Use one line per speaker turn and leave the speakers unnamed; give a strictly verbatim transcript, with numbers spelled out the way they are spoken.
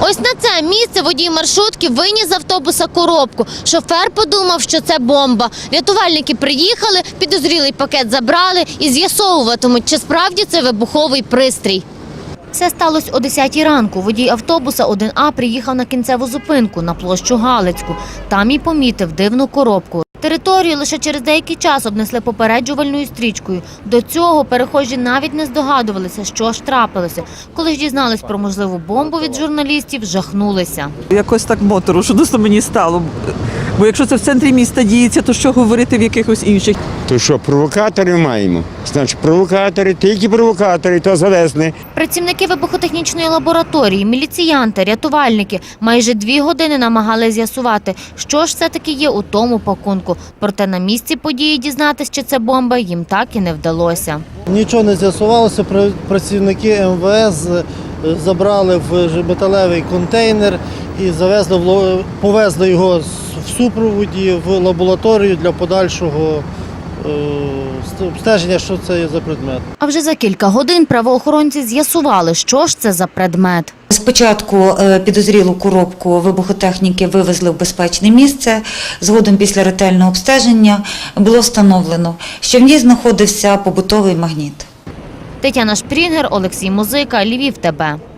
Ось на це місце водій маршрутки виніс з автобуса коробку. Шофер подумав, що це бомба. Рятувальники приїхали, підозрілий пакет забрали і з'ясовуватимуть, чи справді це вибуховий пристрій. Все сталося о десятій ранку. Водій автобуса один А приїхав на кінцеву зупинку на площу Галицьку. Там і помітив дивну коробку. Територію лише через деякий час обнесли попереджувальною стрічкою. До цього перехожі навіть не здогадувалися, що ж трапилося. Коли ж дізнались про можливу бомбу від журналістів, жахнулися.
Якось так моторошно мені стало. Бо якщо це в центрі міста діється, то що говорити в якихось інших?
То що, провокаторів маємо? Значить, провокатори, тільки провокатори, то завезли.
Працівники вибухотехнічної лабораторії, міліціянти, рятувальники майже дві години намагалися з'ясувати, що ж все-таки є у тому пакунку. Проте на місці події дізнатися, чи це бомба, їм так і не вдалося.
Нічого не з'ясувалося, працівники Ем Ве Ес забрали в металевий контейнер і завезли, повезли його в супроводі в лабораторію для подальшого обстеження, що це є за предмет.
А вже за кілька годин правоохоронці з'ясували, що ж це за предмет.
Спочатку підозрілу коробку вибухотехніки вивезли в безпечне місце. Згодом після ретельного обстеження було встановлено, що в ній знаходився побутовий магніт.
Тетяна Шпрінгер, Олексій Музика, Львів ТБ.